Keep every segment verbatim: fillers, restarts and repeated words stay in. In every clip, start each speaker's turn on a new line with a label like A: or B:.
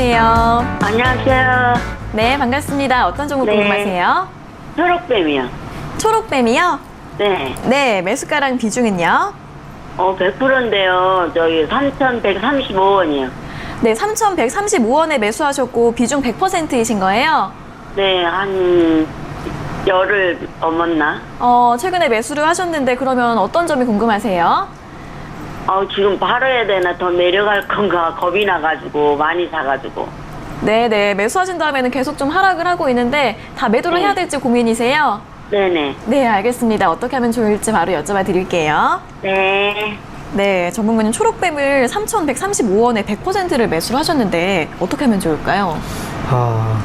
A: 안녕하세요.
B: 안녕하세요.
A: 네, 반갑습니다. 어떤 종목
B: 네.
A: 궁금하세요?
B: 초록뱀이요.
A: 초록뱀이요?
B: 네.
A: 네, 매수가랑 비중은요?
B: 어, 백 퍼센트인데요. 저기 삼천백삼십오 원이요.
A: 네, 삼천백삼십오 원에 매수하셨고 비중 백 퍼센트이신 거예요?
B: 네, 한 열흘 넘었나?
A: 어, 최근에 매수를 하셨는데 그러면 어떤 점이 궁금하세요?
B: 어, 지금 바로 해야 되나? 더 내려갈 건가? 겁이 나가지고, 많이 사가지고.
A: 네네, 매수하신 다음에는 계속 좀 하락을 하고 있는데 다 매도를
B: 네.
A: 해야 될지 고민이세요?
B: 네네.
A: 네, 알겠습니다. 어떻게 하면 좋을지 바로 여쭤봐 드릴게요.
B: 네.
A: 네, 전문가님 초록뱀을 삼천백삼십오 원에 백 퍼센트를 매수를 하셨는데 어떻게 하면 좋을까요?
C: 아.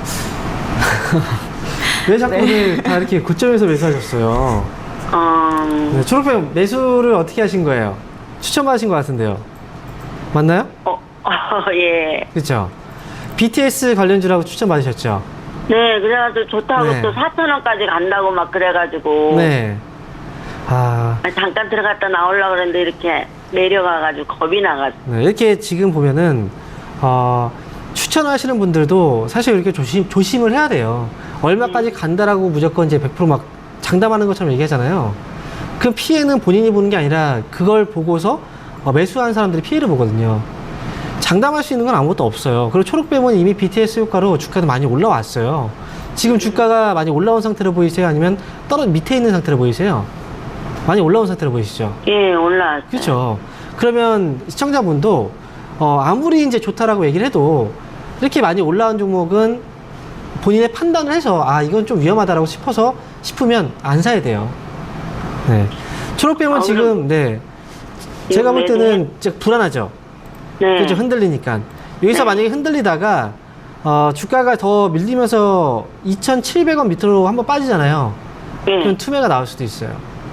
C: 왜 자꾸
A: 네.
C: 오늘 다 이렇게 고점에서 매수하셨어요?
B: 어,
C: 네, 초록뱀 매수를 어떻게 하신 거예요? 추천받으신 것 같은데요. 맞나요?
B: 어, 어, 예.
C: 그렇죠? 비티에스 관련주라고 추천받으셨죠?
B: 네, 그래가지고 좋다고
C: 네.
B: 또 사천 원까지 간다고 막 그래가지고.
C: 네. 아,
B: 아, 잠깐 들어갔다 나오려고 그랬는데 이렇게 내려가가지고 겁이 나가지고.
C: 네, 이렇게 지금 보면은 어, 추천하시는 분들도 사실 이렇게 조심 조심을 해야 돼요. 얼마까지 간다라고 무조건 이제 백 퍼센트 막 장담하는 것처럼 얘기하잖아요. 그 피해는 본인이 보는 게 아니라 그걸 보고서 어, 매수한 사람들이 피해를 보거든요. 장담할 수 있는 건 아무것도 없어요. 그리고 초록뱀은 이미 비티에스 효과로 주가도 많이 올라왔어요. 지금 주가가 많이 올라온 상태로 보이세요? 아니면 떨어 밑에 있는 상태로 보이세요? 많이 올라온 상태로 보이시죠?
B: 예, 올라왔어요.
C: 그렇죠. 그러면 시청자분도 어, 아무리 이제 좋다라고 얘기를 해도 이렇게 많이 올라온 종목은 본인의 판단을 해서 아 이건 좀 위험하다라고 싶어서 싶으면 안 사야 돼요. 네. 초록뱀은
B: 아,
C: 지금 네 제가 볼 때는 진짜 불안하죠.
B: 네.
C: 그렇죠. 흔들리니까 여기서
B: 네.
C: 만약에 흔들리다가 어, 주가가 더 밀리면서 이천칠백 원 밑으로 한번 빠지잖아요.
B: 예.
C: 그럼 투매가 나올 수도 있어요.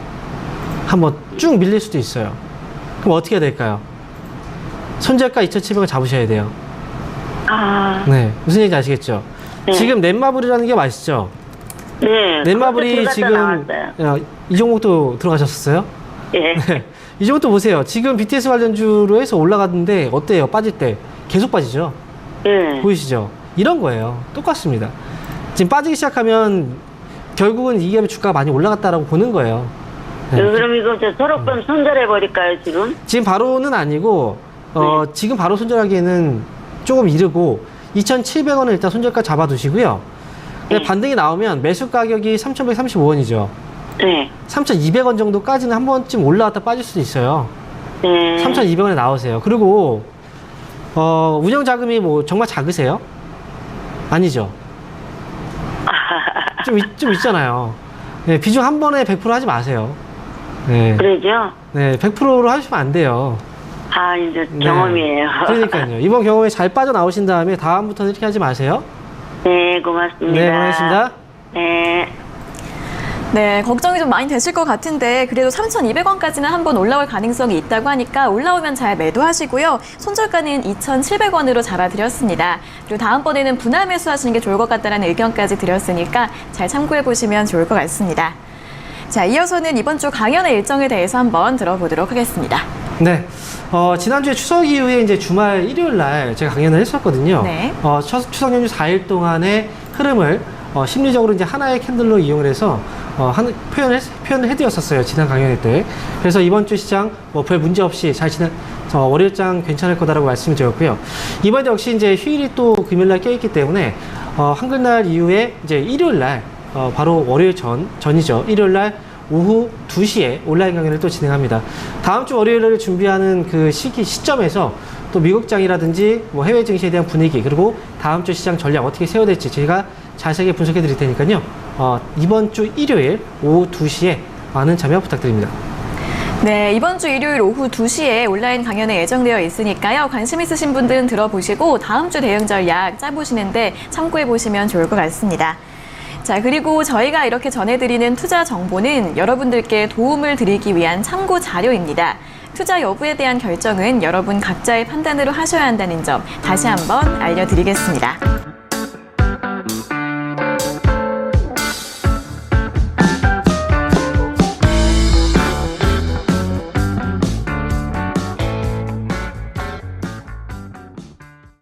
C: 한번 쭉 밀릴 수도 있어요. 그럼 어떻게 해야 될까요? 손절가 이천칠백 원 잡으셔야 돼요.
B: 아,
C: 네, 무슨 얘기인지 아시겠죠?
B: 네.
C: 지금 넷마블이라는 게 맛있죠?
B: 네.
C: 넷마블이
B: 들어갔다
C: 지금
B: 나왔어요.
C: 어, 이 종목도 들어가셨었어요?
B: 예.
C: 네. 이 종목도 보세요. 지금 비티에스 관련주로 해서 올라갔는데 어때요? 빠질 때 계속 빠지죠?
B: 예.
C: 보이시죠? 이런 거예요. 똑같습니다. 지금 빠지기 시작하면 결국은 이게 주가가 많이 올라갔다라고 보는 거예요. 네.
B: 예, 그럼 이거 저 초록뱀 손절해 버릴까요 지금?
C: 지금 바로는 아니고 어,
B: 네.
C: 지금 바로 손절하기에는 조금 이르고 이천칠백 원을 일단 손절가 잡아두시고요.
B: 네.
C: 반등이 나오면 매수 가격이 삼천백삼십오 원이죠.
B: 네.
C: 삼천이백 원 정도까지는 한 번쯤 올라왔다 빠질 수도 있어요.
B: 네.
C: 삼천이백 원에 나오세요. 그리고 어, 운영 자금이 뭐 정말 작으세요? 아니죠. 좀, 있, 좀 있잖아요. 네, 비중 한 번에 백 퍼센트 하지 마세요. 네,
B: 그러죠?
C: 네, 백 퍼센트로 하시면 안 돼요.
B: 아, 이제
C: 네.
B: 경험이에요.
C: 그러니까요. 이번 경험에 잘 빠져나오신 다음에 다음부터는 이렇게 하지 마세요.
B: 네, 고맙습니다.
C: 네, 고맙습니다.
B: 네.
A: 네, 걱정이 좀 많이 되실 것 같은데 그래도 삼천이백 원까지는 한번 올라올 가능성이 있다고 하니까 올라오면 잘 매도하시고요. 손절가는 이천칠백 원으로 잡아드렸습니다. 그리고 다음번에는 분할 매수하시는 게 좋을 것 같다는 의견까지 드렸으니까 잘 참고해보시면 좋을 것 같습니다. 자, 이어서는 이번 주 강연의 일정에 대해서 한번 들어보도록 하겠습니다.
C: 네. 어, 지난주에 추석 이후에 이제 주말 일요일 날 제가 강연을 했었거든요.
A: 네.
C: 어, 추, 추석 연휴 사 일 동안의 흐름을 어, 심리적으로 이제 하나의 캔들로 이용을 해서 어, 한, 표현을, 표현을 해드렸었어요. 지난 강연 때. 그래서 이번 주 시장 뭐 별 문제 없이 잘 지난, 어, 월요일장 괜찮을 거다라고 말씀을 드렸고요. 이번에도 역시 이제 휴일이 또 금요일날 껴있기 때문에 어, 한글날 이후에 이제 일요일날 어, 바로 월요일 전, 전이죠. 일요일날 오후 두 시에 온라인 강연을 또 진행합니다. 다음 주 월요일을 준비하는 그 시기, 시점에서 또 미국장이라든지 뭐 해외 증시에 대한 분위기, 그리고 다음 주 시장 전략 어떻게 세워야 될지 제가 자세하게 분석해 드릴 테니까요. 어, 이번 주 일요일 오후 두 시에 많은 참여 부탁드립니다.
A: 네, 이번 주 일요일 오후 두 시에 온라인 강연에 예정되어 있으니까요. 관심 있으신 분들은 들어보시고 다음 주 대응 전략 짜보시는데 참고해보시면 좋을 것 같습니다. 자, 그리고 저희가 이렇게 전해드리는 투자 정보는 여러분들께 도움을 드리기 위한 참고 자료입니다. 투자 여부에 대한 결정은 여러분 각자의 판단으로 하셔야 한다는 점 다시 한번 알려드리겠습니다.